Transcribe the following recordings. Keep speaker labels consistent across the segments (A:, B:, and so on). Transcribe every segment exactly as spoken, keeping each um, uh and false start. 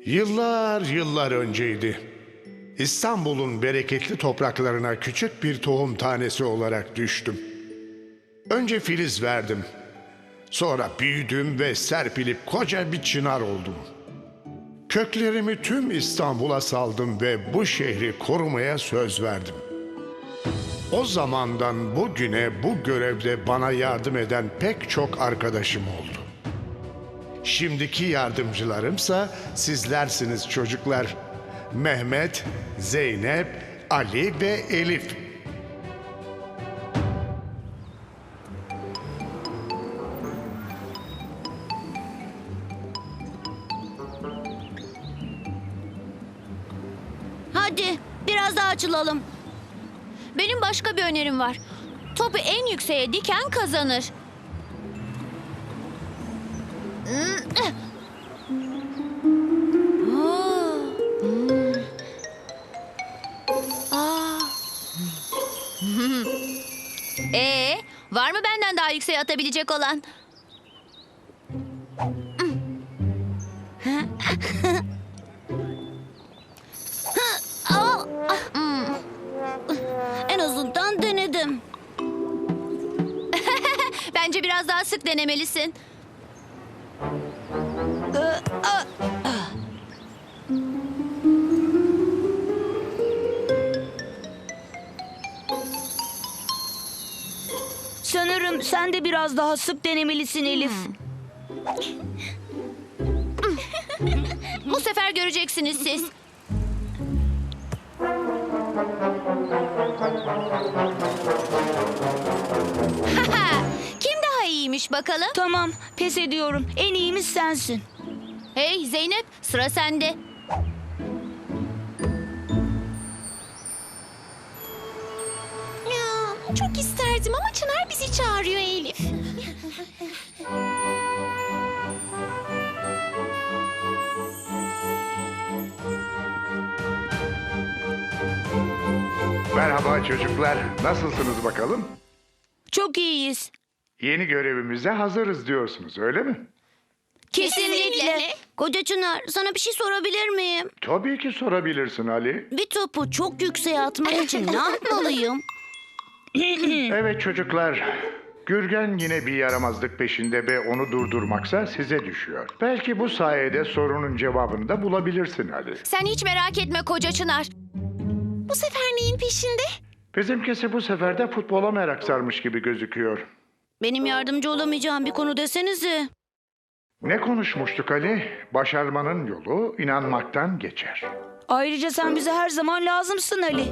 A: Yıllar yıllar önceydi. İstanbul'un bereketli topraklarına küçük bir tohum tanesi olarak düştüm. Önce filiz verdim. Sonra büyüdüm ve serpilip koca bir çınar oldum. Köklerimi tüm İstanbul'a saldım ve bu şehri korumaya söz verdim. O zamandan bugüne bu görevde bana yardım eden pek çok arkadaşım oldu. Şimdiki yardımcılarımsa sizlersiniz çocuklar. Mehmet, Zeynep, Ali ve Elif.
B: Hadi biraz daha açılalım.
C: Benim başka bir önerim var. Topu en yükseğe diken kazanır. Ee, var mı benden daha yükseğe atabilecek olan?
B: En azından denedim.
C: Bence biraz daha sık denemelisin.
B: Sanırım sen de biraz daha sık denemelisin Elif.
C: Bu sefer göreceksiniz siz. Kim daha iyiymiş bakalım?
B: Tamam, pes ediyorum. En iyimiz sensin.
C: Hey Zeynep, sıra sende.
D: Ya, çok isterdim ama Çınar bizi çağırıyor Elif.
A: Merhaba çocuklar. Nasılsınız bakalım?
B: Çok iyiyiz.
A: Yeni görevimize hazırız diyorsunuz, öyle mi?
B: Kesinlikle. Koca Çınar, sana bir şey sorabilir miyim?
A: Tabii ki sorabilirsin Ali.
B: Bir topu çok yükseğe atmak için ne yapmalıyım?
A: Evet çocuklar. Gürgen yine bir yaramazlık peşinde ve onu durdurmaksa size düşüyor. Belki bu sayede sorunun cevabını da bulabilirsin Ali.
C: Sen hiç merak etme koca Çınar.
D: Bu sefer neyin peşinde?
A: Bizimkisi bu sefer de futbola merak sarmış gibi gözüküyor.
B: Benim yardımcı olamayacağım bir konu desenize.
A: Ne konuşmuştuk Ali? Başarmanın yolu inanmaktan geçer.
B: Ayrıca sen bize her zaman lazımsın Ali.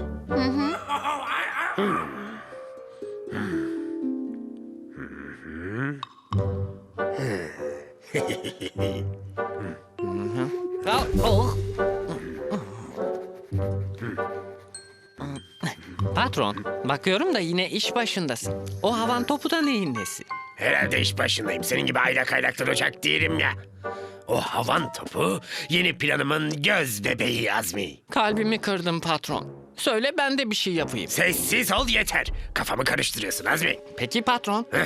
E: Patron, bakıyorum da yine iş başındasın. O havan topu da neyin nesi?
F: Herhalde iş başındayım. Senin gibi aylak aylak duracak değilim ya. O havan topu yeni planımın göz bebeği Azmi.
E: Kalbimi kırdın patron. Söyle ben de bir şey yapayım.
F: Sessiz ol yeter. Kafamı karıştırıyorsun Azmi.
E: Peki patron.
F: Heh.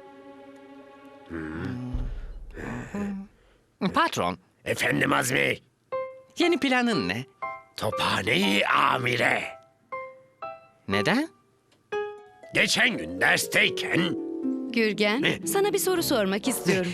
E: Patron,
F: Efendim Azmi.
E: yeni planın ne?
F: Tophaneyi amire.
E: Neden?
F: Geçen gün dersteyken...
G: Gürgen, sana bir soru sormak istiyorum.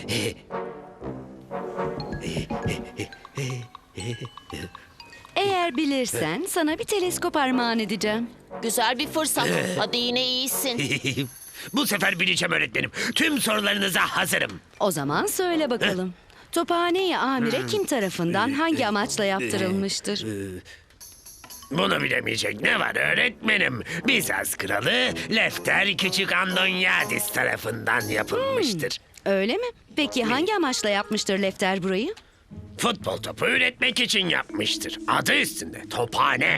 G: Eğer bilirsen sana bir teleskop armağan edeceğim.
D: Güzel bir fırsat. Hadi yine iyisin.
F: Bu sefer bileceğim öğretmenim. Tüm sorularınıza hazırım.
G: O zaman söyle bakalım. Tophane-i Amire kim tarafından hangi amaçla yaptırılmıştır?
F: Bunu bilemeyecek ne var öğretmenim? Bizans kralı Lefter Küçük Andonyadis tarafından yapılmıştır.
G: Öyle mi? Peki hangi amaçla yapmıştır Lefter burayı?
F: Futbol topu üretmek için yapmıştır. Adı üstünde tophane.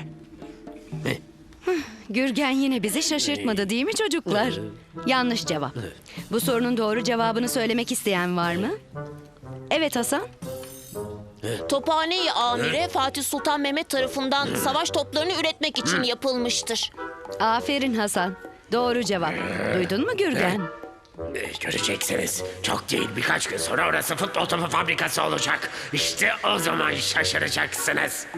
G: Gürgen yine bizi şaşırtmadı değil mi çocuklar? Yanlış cevap. Bu sorunun doğru cevabını söylemek isteyen var mı? Evet Hasan.
D: Tophane-i Amire Fatih Sultan Mehmet tarafından savaş toplarını üretmek için yapılmıştır.
G: Aferin Hasan. Doğru cevap. Duydun mu Gürgen?
F: Ee, Göreceksiniz. Çok değil, birkaç gün sonra orası futbol topu fabrikası olacak. İşte o zaman şaşıracaksınız.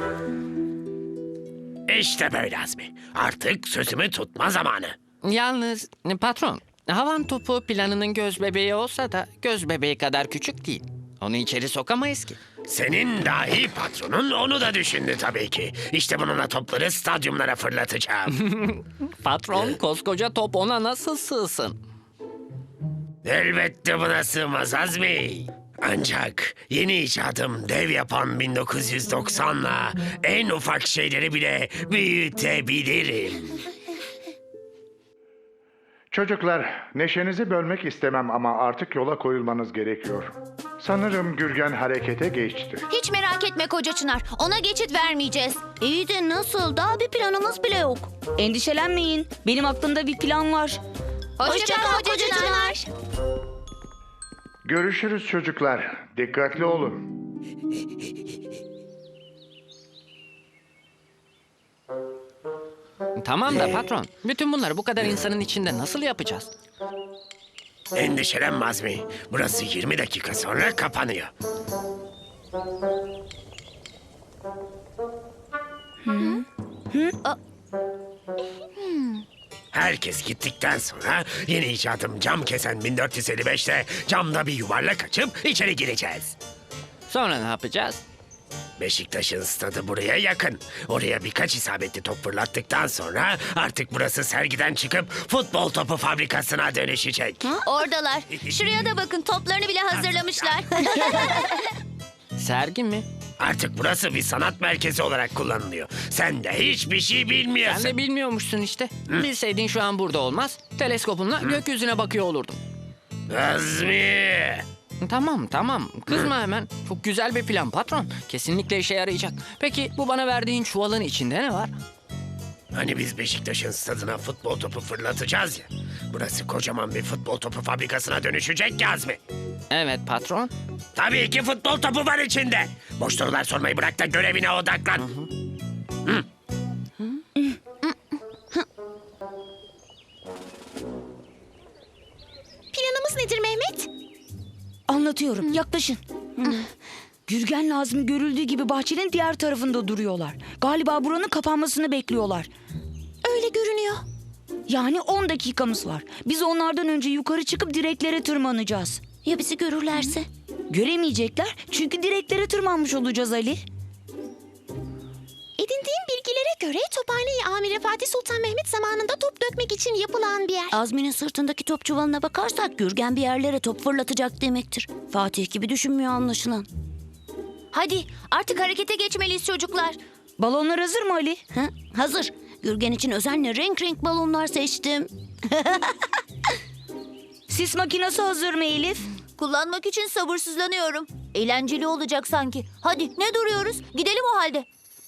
F: İşte böyle Azmi. Artık sözümü tutma zamanı.
E: Yalnız e, patron, havan topu planının göz bebeği olsa da göz bebeği kadar küçük değil. Onu içeri sokamayız ki.
F: Senin dahi patronun onu da düşündü tabii ki. İşte bununla topları stadyumlara fırlatacağım.
E: Patron, koskoca top ona nasıl sığsın?
F: Elbette buna sığmaz Azmi. Ancak yeni icadım dev yapan bin dokuz yüz doksanla en ufak şeyleri bile büyütebilirim.
A: Çocuklar, neşenizi bölmek istemem ama artık yola koyulmanız gerekiyor. Sanırım Gürgen harekete geçti.
C: Hiç merak etme Koca Çınar. Ona geçit vermeyeceğiz.
B: İyi de nasıl? Daha bir planımız bile yok.
D: Endişelenmeyin. Benim aklımda bir plan var.
C: Hoşça kal Koca Çınar.
A: Görüşürüz çocuklar. Dikkatli olun.
E: Tamam da patron, bütün bunları bu kadar insanın içinde nasıl yapacağız?
F: Endişelenme Azmi. Burası yirmi dakika sonra kapanıyor. Herkes gittikten sonra yeni icadım cam kesen bin dört yüz elli beşte camda bir yuvarlak açıp içeri gireceğiz.
E: Sonra ne yapacağız?
F: Beşiktaş'ın stadı buraya yakın. Oraya birkaç isabetli top fırlattıktan sonra artık burası sergiden çıkıp futbol topu fabrikasına dönüşecek.
C: Oradalar. Şuraya da bakın, toplarını bile hazırlamışlar.
E: Sergi mi?
F: Artık burası bir sanat merkezi olarak kullanılıyor. Sen de hiçbir şey bilmiyorsun.
E: Sen de bilmiyormuşsun işte. Bilseydin şu an burada olmaz. Teleskopunla gökyüzüne bakıyor olurdum.
F: Azmi!
E: Tamam tamam. Kızma hemen. Çok güzel bir plan patron. Kesinlikle işe yarayacak. Peki bu bana verdiğin çuvalın içinde ne var?
F: Hani biz Beşiktaş'ın stadına futbol topu fırlatacağız ya. Burası kocaman bir futbol topu fabrikasına dönüşecek ya Azmi.
E: Evet patron.
F: Tabii ki futbol topu var içinde. Boş sorular sormayı bırak da görevine odaklan.
D: Planımız nedir Mehmet? Anlatıyorum. Yaklaşın. Gürgen Nazmi görüldüğü gibi bahçenin diğer tarafında duruyorlar. Galiba buranın kapanmasını bekliyorlar. Öyle görünüyor. Yani on dakikamız var. Biz onlardan önce yukarı çıkıp direklere tırmanacağız.
B: Ya bizi görürlerse?
D: Göremeyecekler çünkü direklere tırmanmış olacağız Ali.
H: Edindiğim bilgilere göre Tophane Amiri Fatih Sultan Mehmet zamanında top dökmek için yapılan bir yer.
B: Azmi'nin sırtındaki top çuvalına bakarsak Gürgen bir yerlere top fırlatacak demektir. Fatih gibi düşünmüyor anlaşılan.
C: Hadi artık harekete geçmeliyiz çocuklar.
D: Balonlar hazır mı Ali?
B: Ha? Hazır. Gürgen için özenle renk renk balonlar seçtim.
D: Sis makinesi hazır mı Elif?
C: Kullanmak için sabırsızlanıyorum. Eğlenceli olacak sanki. Hadi ne duruyoruz? Gidelim o halde.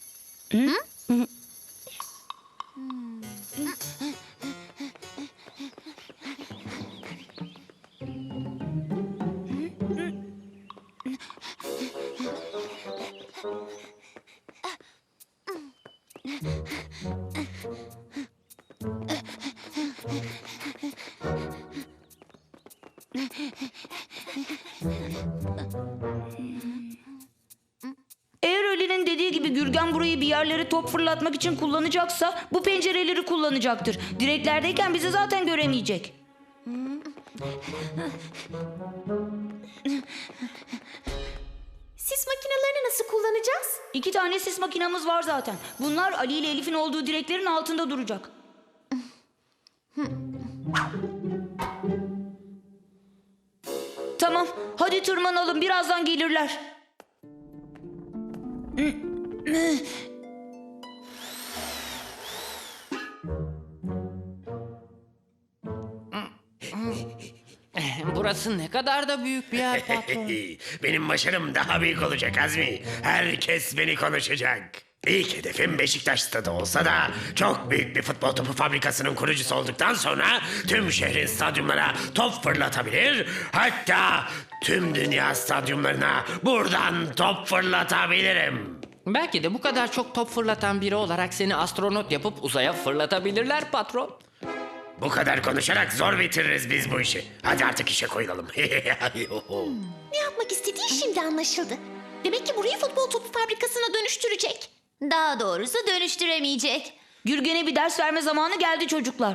D: Eğer Ali'nin dediği gibi Gürgen burayı bir yerlere top fırlatmak için kullanacaksa bu pencereleri kullanacaktır. Direklerdeyken bizi zaten göremeyecek.
H: Sis makinelerini nasıl kullanacağız?
D: İki tane sis makinamız var zaten. Bunlar Ali ile Elif'in olduğu direklerin altında duracak. Tamam, hadi tırmanalım. Birazdan gelirler.
E: Burası ne kadar da büyük bir yer patron.
F: Benim başarım daha büyük olacak Azmi. Herkes beni konuşacak. İlk hedefim Beşiktaş stadı olsa da çok büyük bir futbol topu fabrikasının kurucusu olduktan sonra tüm şehrin stadyumlara top fırlatabilir, hatta tüm dünya stadyumlarına buradan top fırlatabilirim.
E: Belki de bu kadar çok top fırlatan biri olarak seni astronot yapıp uzaya fırlatabilirler patron.
F: Bu kadar konuşarak zor bitiririz biz bu işi. Hadi artık işe koyulalım.
H: Ne yapmak istediği şimdi anlaşıldı. Demek ki burayı futbol topu fabrikasına dönüştürecek.
C: Daha doğrusu dönüştüremeyecek.
D: Gürgen'e bir ders verme zamanı geldi çocuklar.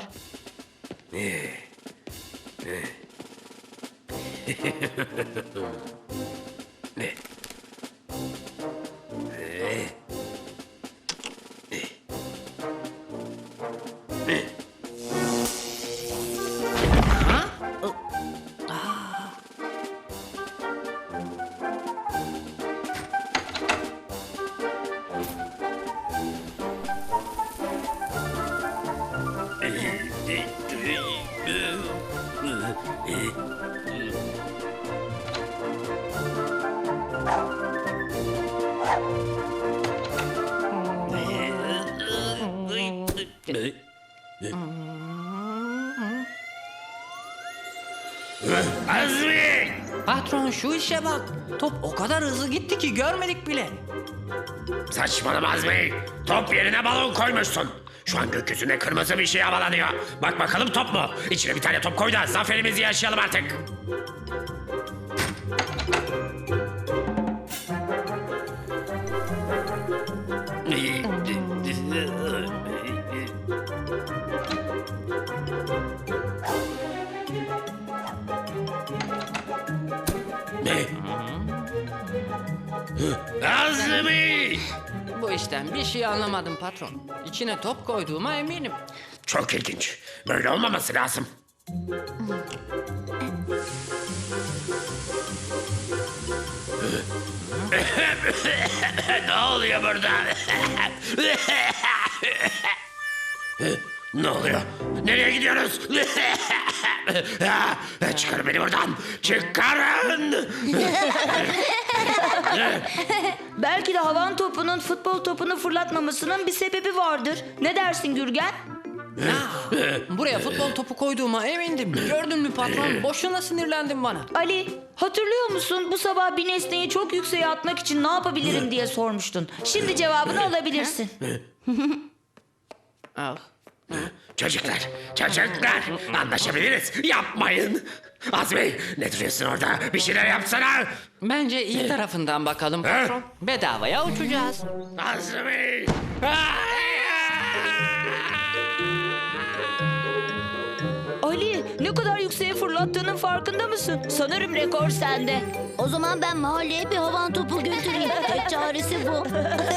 F: Azmi!
E: Patron şu işe bak. Top o kadar hızlı gitti ki görmedik bile.
F: Saçmalama Azmi. Top yerine balon koymuşsun. Şu an gökyüzünde kırmızı bir şey havalanıyor. Bak bakalım top mu? İçine bir tane top koy da zaferimizi yaşayalım artık. Ne? Azmi!
E: Bu işten bir şey anlamadım patron. İçine top koyduğuma eminim.
F: Çok ilginç. Böyle olmaması lazım. Ne oluyor burada? Ne oluyor? Nereye gidiyoruz? Çıkarın beni buradan. Çıkarın.
D: Belki de havan topunun futbol topunu fırlatmamasının bir sebebi vardır. Ne dersin Gürgen?
E: Buraya futbol topu koyduğuma emindim. Gördün mü patron? Boşuna sinirlendin bana.
D: Ali, hatırlıyor musun? Bu sabah bir nesneyi çok yükseğe atmak için ne yapabilirim diye sormuştun. Şimdi cevabını alabilirsin.
E: Al.
F: Çocuklar, çocuklar. Anlaşabiliriz. Yapmayın. Azmi, ne duruyorsun orada? Bir şeyler yapsana.
E: Bence iyi tarafından bakalım patron. Bedavaya uçacağız.
F: Azmi.
D: Ali, ne kadar yükseğe fırlattığının farkında mısın? Sanırım rekor sende.
B: O zaman ben mahalleye bir havan topu götüreyim. Tek çaresi bu.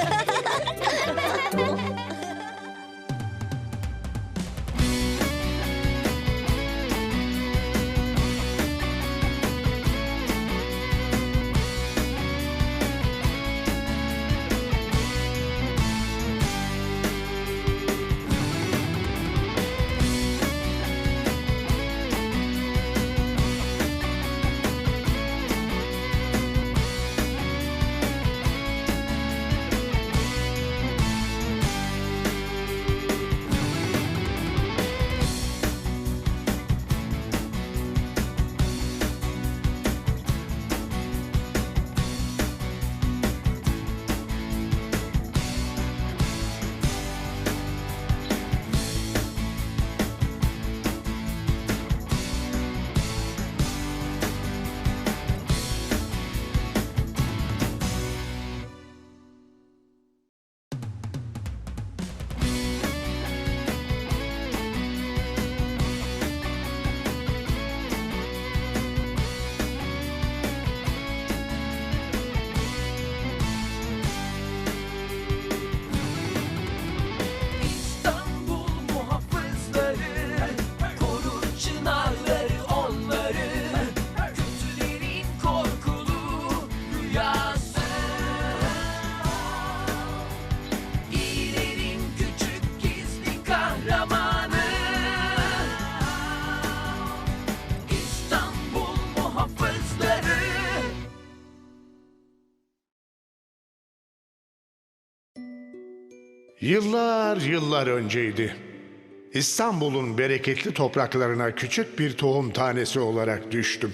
A: Yıllar yıllar önceydi. İstanbul'un bereketli topraklarına küçük bir tohum tanesi olarak düştüm.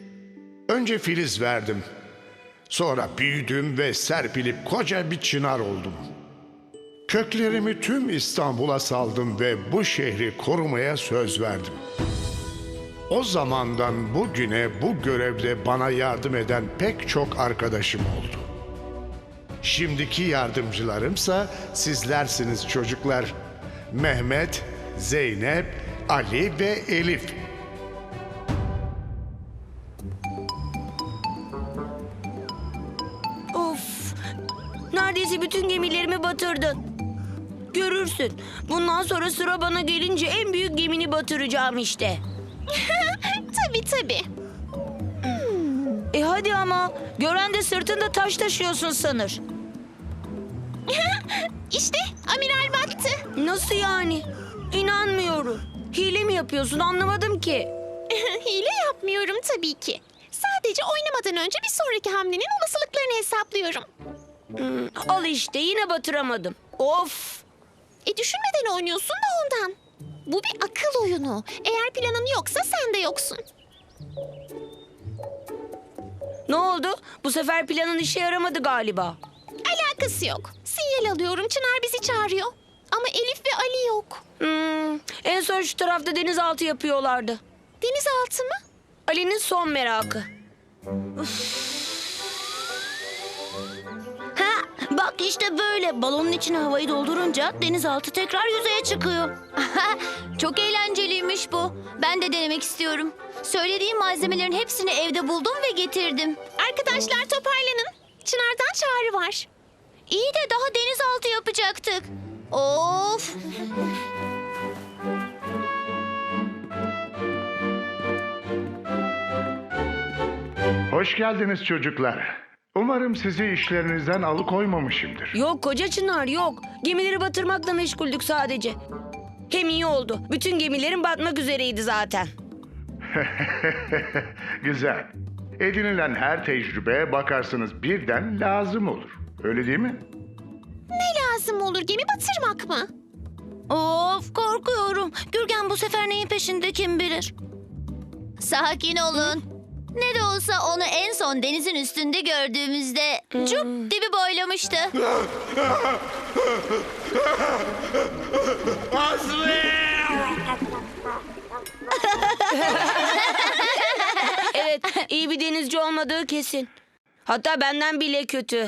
A: Önce filiz verdim. Sonra büyüdüm ve serpilip koca bir çınar oldum. Köklerimi tüm İstanbul'a saldım ve bu şehri korumaya söz verdim. O zamandan bugüne bu görevde bana yardım eden pek çok arkadaşım oldu. Şimdiki yardımcılarımsa sizlersiniz çocuklar. Mehmet, Zeynep, Ali ve Elif.
D: Of! Neredeyse bütün gemilerimi batırdın. Görürsün. Bundan sonra sıra bana gelince en büyük gemini batıracağım işte.
H: Tabii tabii.
D: E hadi ama. Gören de sırtında taş taşıyorsun sanır.
H: İşte amiral battı.
D: Nasıl yani? İnanmıyorum. Hile mi yapıyorsun anlamadım ki.
H: Hile yapmıyorum tabii ki. Sadece oynamadan önce bir sonraki hamlenin olasılıklarını hesaplıyorum.
D: Al işte yine batıramadım. Of!
H: E düşünmeden oynuyorsun da ondan. Bu bir akıl oyunu. Eğer planın yoksa sen de yoksun.
D: Ne oldu? Bu sefer planın işe yaramadı galiba.
H: Alakası yok. Sinyal alıyorum. Çınar bizi çağırıyor. Ama Elif ve Ali yok.
D: Hmm, en son şu tarafta denizaltı yapıyorlardı.
H: Denizaltı mı?
D: Ali'nin son merakı.
B: Ha, bak işte böyle. Balonun içine havayı doldurunca denizaltı tekrar yüzeye çıkıyor.
C: Çok eğlenceliymiş bu. Ben de denemek istiyorum. Söylediğim malzemelerin hepsini evde buldum ve getirdim.
H: Arkadaşlar toparlanın. Çınar'dan çağrı var.
C: İyi de daha denizaltı yapacaktık. Of!
A: Hoş geldiniz çocuklar. Umarım sizi işlerinizden alıkoymamışımdır.
D: Yok koca Çınar yok. Gemileri batırmakla meşguldük sadece. Hem iyi oldu. Bütün gemilerin batmak üzereydi zaten.
A: Güzel. Edinilen her tecrübe bakarsınız birden lazım olur. Öyle değil mi?
H: Ne lazım olur? Gemi batırmak mı?
B: Of, korkuyorum. Gürgen bu sefer neyin peşinde kim bilir?
C: Sakin olun. Ne de olsa onu en son denizin üstünde gördüğümüzde cuk dibi boylamıştı.
D: Evet, iyi bir denizci olmadığı kesin. Hatta benden bile kötü.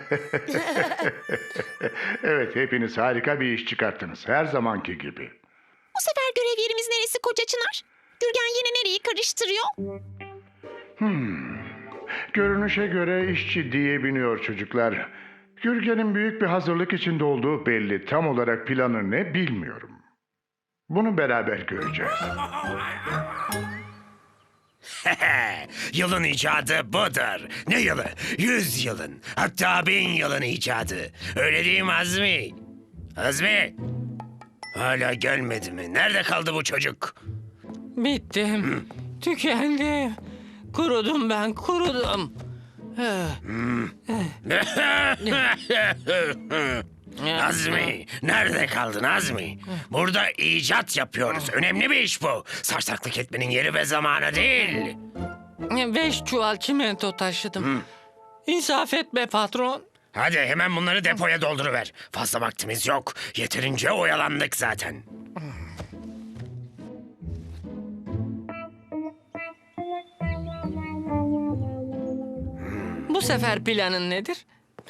A: Evet, hepiniz harika bir iş çıkarttınız. Her zamanki gibi.
H: Bu sefer görev yerimiz neresi koca Çınar? Gürgen yine nereyi karıştırıyor?
A: Görünüşe göre iş ciddiye biniyor çocuklar. Gürgen'in büyük bir hazırlık içinde olduğu belli. Tam olarak planı ne bilmiyorum. Bunu beraber göreceğiz.
F: Yılın icadı budur. Ne yılı? Yüz yılın. Hatta bin yılın icadı. Öyle değil mi Azmi? Azmi? Hala gelmedi mi? Nerede kaldı bu çocuk?
E: Bittim. Tükendim. Kurudum ben, kurudum.
F: Azmi, nerede kaldın Azmi? Burada icat yapıyoruz. Önemli bir iş bu. Sarsaklık etmenin yeri ve zamanı değil.
E: Beş çuval çimento taşıdım. İnsaf et be patron.
F: Hadi hemen bunları depoya dolduruver. Fazla vaktimiz yok. Yeterince oyalandık zaten.
E: Bu sefer planın nedir?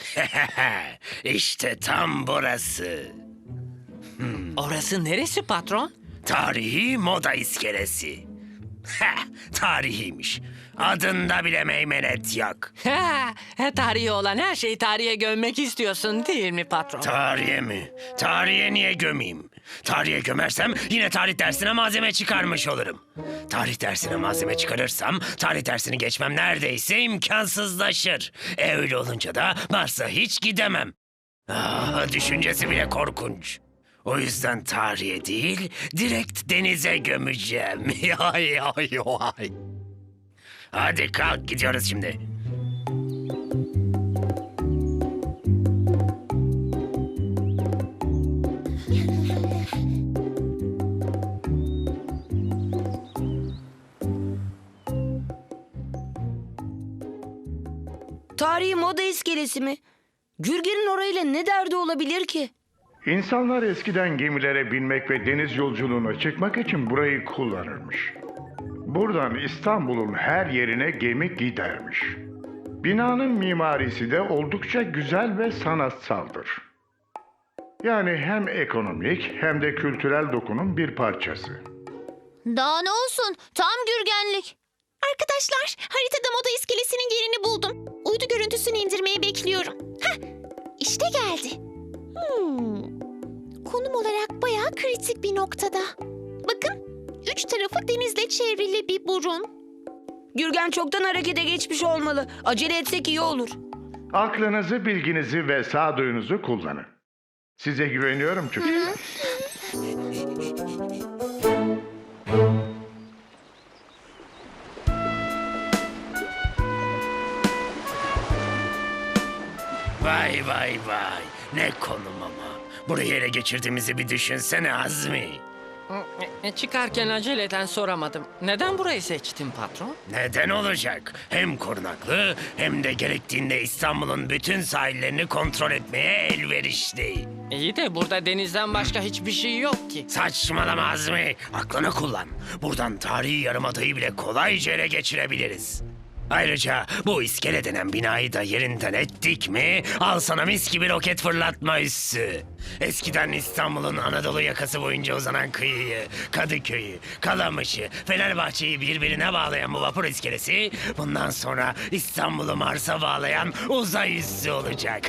F: İşte tam burası.
E: Orası neresi patron?
F: Tarihi moda iskelesi. Heh, tarihiymiş. Adında bile meymenet yok.
E: Ha, tarihi olan her şeyi tarihe gömmek istiyorsun değil mi patron?
F: Tarihe mi? Tarihe niye gömeyim? Tarihe gömersem yine tarih dersine malzeme çıkarmış olurum. Tarih dersine malzeme çıkarırsam tarih dersini geçmem neredeyse imkansızlaşır. E öyle olunca da Mars'a hiç gidemem. Ah, düşüncesi bile korkunç. O yüzden tarihe değil, direkt denize gömeceğim. Ay, ay, ay. Hadi kalk, gidiyoruz şimdi.
D: Tarihi moda iskelesi mi? Gürgen'in orayla ne derdi olabilir ki?
I: İnsanlar eskiden gemilere binmek ve deniz yolculuğuna çıkmak için burayı kullanırmış. Buradan İstanbul'un her yerine gemi gidermiş. Binanın mimarisi de oldukça güzel ve sanatsaldır. Yani hem ekonomik hem de kültürel dokunun bir parçası.
C: Daha ne olsun? Tam Gürgenlik.
H: Arkadaşlar, haritada moda iskelesinin yerini buldum. Uydu görüntüsünü indirmeyi bekliyorum. Heh, işte geldi. Hmm. Konum olarak bayağı kritik bir noktada. Bakın, üç tarafı denizle çevrili bir burun.
D: Gürgen çoktan harekete geçmiş olmalı. Acele etsek iyi olur.
I: Aklınızı, bilginizi ve sağduyunuzu kullanın. Size güveniyorum çocuklar.
F: Vay vay vay. Ne konum ama. Burayı ele geçirdiğimizi bir düşünsene Azmi.
E: E, Çıkarken aceleden soramadım. Neden burayı seçtin patron?
F: Neden olacak? Hem korunaklı hem de gerektiğinde İstanbul'un bütün sahillerini kontrol etmeye elverişli.
E: İyi de burada denizden başka hiçbir şey yok ki.
F: Saçmalama Azmi. Aklını kullan. Buradan tarihi yarımadayı bile kolayca ele geçirebiliriz. Ayrıca bu iskele denen binayı da yerinden ettik mi al sana mis gibi roket fırlatma üssü. Eskiden İstanbul'un Anadolu yakası boyunca uzanan kıyıyı, Kadıköy'ü, Kalamış'ı, Fenerbahçe'yi birbirine bağlayan bu vapur iskelesi bundan sonra İstanbul'u Mars'a bağlayan uzay üssü olacak.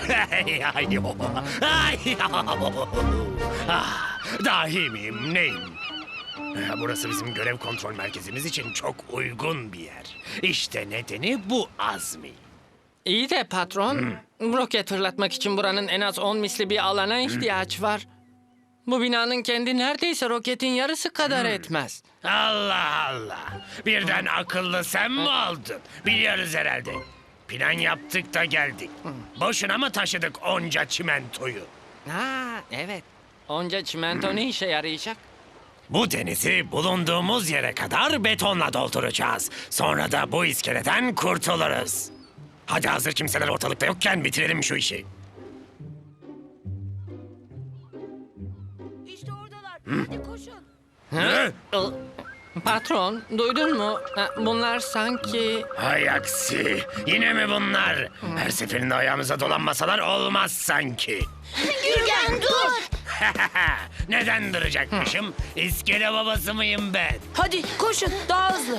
F: Ah, dahi miyim neyim? Burası bizim görev kontrol merkezimiz için çok uygun bir yer. İşte nedeni bu Azmi.
E: İyi de patron, roket fırlatmak için buranın en az on misli bir alana ihtiyaç var. Bu binanın kendi neredeyse roketin yarısı kadar etmez.
F: Allah Allah. Birden akıllı sen mi oldun? Biliyoruz herhalde. Plan yaptık da geldik. Boşuna mı taşıdık onca çimentoyu?
E: Ha, evet. Onca çimento ne işe yarayacak?
F: Bu denizi bulunduğumuz yere kadar betonla dolduracağız. Sonra da bu iskeleden kurtuluruz. Hadi hazır kimseler ortalıkta yokken bitirelim şu işi.
D: İşte oradalar. Hadi koşun.
F: Hı?
E: Patron, duydun mu? Ha, bunlar sanki...
F: Hay aksi. Yine mi bunlar? Her seferinde ayağımıza dolanmasalar olmaz sanki.
C: Gürgen dur.
F: Neden duracakmışım? İskele babası mıyım ben?
D: Hadi koşun daha hızlı.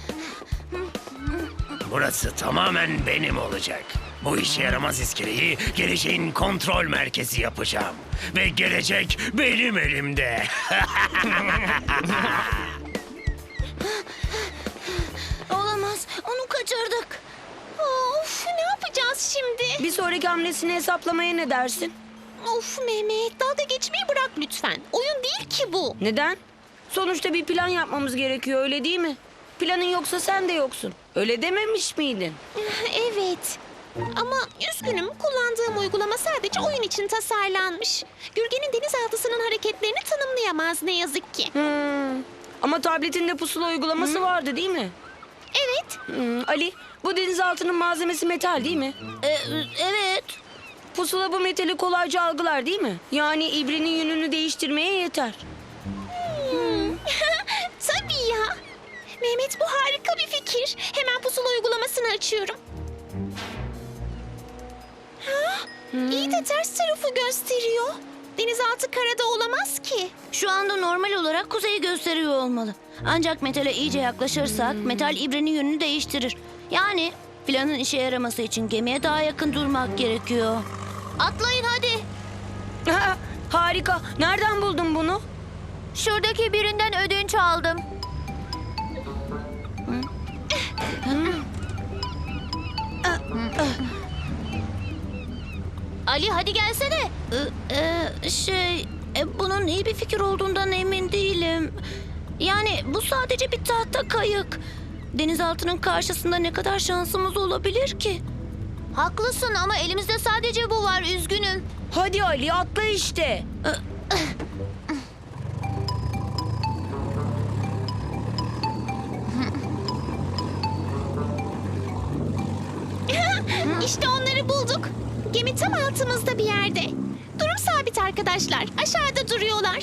F: Burası tamamen benim olacak. Bu işe yaramaz iskeleyi geleceğin kontrol merkezi yapacağım. Ve gelecek benim elimde.
B: Olamaz. Onu kaçırdık.
H: Of, ne yapacağız şimdi?
D: Bir sonraki hamlesini hesaplamaya ne dersin?
H: Of Mehmet, dalga geçmeyi bırak lütfen. Oyun değil ki bu.
D: Neden? Sonuçta bir plan yapmamız gerekiyor öyle değil mi? Planın yoksa sen de yoksun. Öyle dememiş miydin?
H: Evet. Ama üzgünüm, kullandığım uygulama sadece oyun için tasarlanmış. Gürgen'in denizaltısının hareketlerini tanımlayamaz ne yazık ki.
D: Hmm. Ama tabletinde pusula uygulaması vardı değil mi?
H: Evet.
D: Hmm, Ali, bu denizaltının malzemesi metal değil mi?
B: Ee, evet.
D: Pusula bu metali kolayca algılar değil mi? Yani ibrenin yönünü değiştirmeye yeter.
H: Hmm. Tabii ya. Mehmet, bu harika bir fikir. Hemen pusula uygulamasını açıyorum. Ha? İyi de ters tarafı gösteriyor. Denizaltı karada olamaz ki.
B: Şu anda normal olarak kuzeyi gösteriyor olmalı. Ancak metale iyice yaklaşırsak metal ibrenin yönünü değiştirir. Yani planın işe yaraması için gemiye daha yakın durmak gerekiyor.
C: Atlayın hadi.
D: Ha, harika. Nereden buldun bunu?
C: Şuradaki birinden ödünç aldım. Ali hadi gelsene.
B: Ee, e, şey, e, bunun iyi bir fikir olduğundan emin değilim. Yani bu sadece bir tahta kayık. Denizaltının karşısında ne kadar şansımız olabilir ki?
C: Haklısın ama elimizde sadece bu var, üzgünüm.
D: Hadi Ali atla işte.
H: İşte onları bulduk. Gemi tam altımızda bir yerde. Durum sabit arkadaşlar. Aşağıda duruyorlar.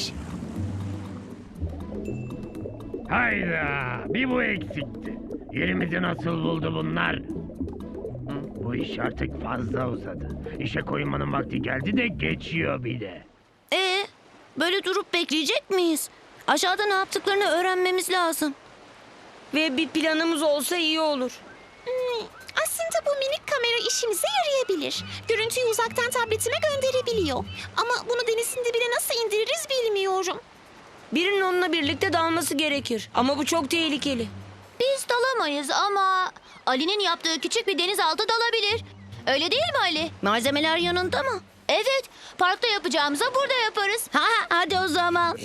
F: Hayda, bir bu eksikti. Yerimizi nasıl buldu bunlar? Bu iş artık fazla uzadı. İşe koyulmanın vakti geldi de geçiyor bir de.
B: Ee, böyle durup bekleyecek miyiz? Aşağıda ne yaptıklarını öğrenmemiz lazım.
D: Ve bir planımız olsa iyi olur.
H: Hmm, aslında bu minik kamera işimize yarayabilir. Görüntüyü uzaktan tabletime gönderebiliyor. Ama bunu denizin dibine nasıl indiririz bilmiyorum.
D: Birinin onunla birlikte dalması gerekir. Ama bu çok tehlikeli.
C: Biz dalamayız ama Ali'nin yaptığı küçük bir denizaltı dalabilir. Öyle değil mi Ali?
B: Malzemeler yanında mı?
C: Evet, parkta yapacağımıza burada yaparız.
B: Ha, hadi o zaman.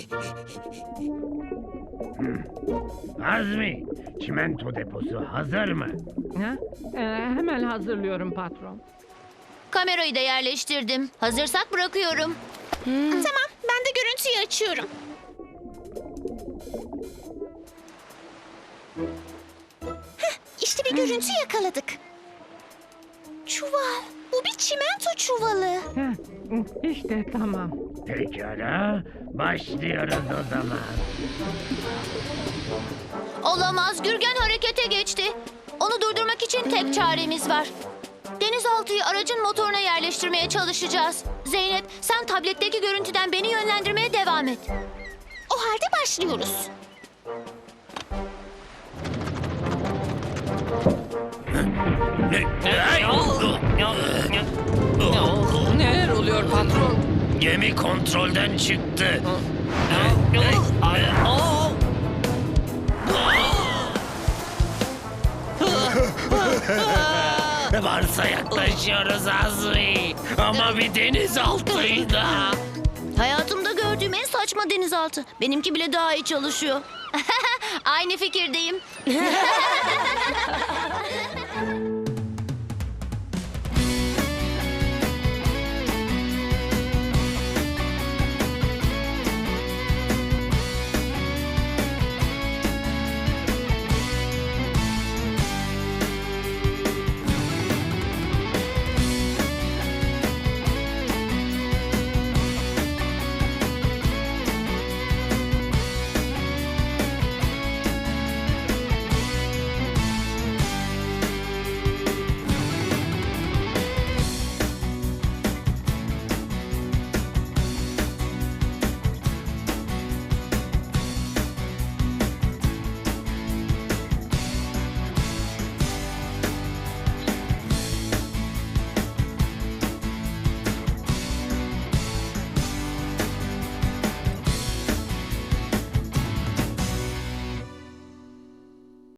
F: Azmi, çimento deposu hazır mı?
E: Ha? Ee, hemen hazırlıyorum patron.
C: Kamerayı da yerleştirdim. Hazırsak bırakıyorum.
H: Tamam, ben de görüntüyü açıyorum. Heh, işte bir görüntü yakaladık. Çuval. Bu bir çimento çuvalı.
E: İşte tamam.
F: Pekala, başlıyoruz o zaman.
C: Olamaz, Gürgen harekete geçti. Onu durdurmak için tek çaremiz var. Denizaltıyı aracın motoruna yerleştirmeye çalışacağız. Zeynep, sen tabletteki görüntüden beni yönlendirmeye devam et.
H: O halde başlıyoruz.
E: Neler oluyor patron?
F: Gemi kontrolden çıktı. Varsa yaklaşıyoruz Azmi. Ama bir denizaltıydı.
B: Hayatımda gördüğüm en saçma denizaltı. Benimki bile daha iyi çalışıyor.
C: Aynı fikirdeyim.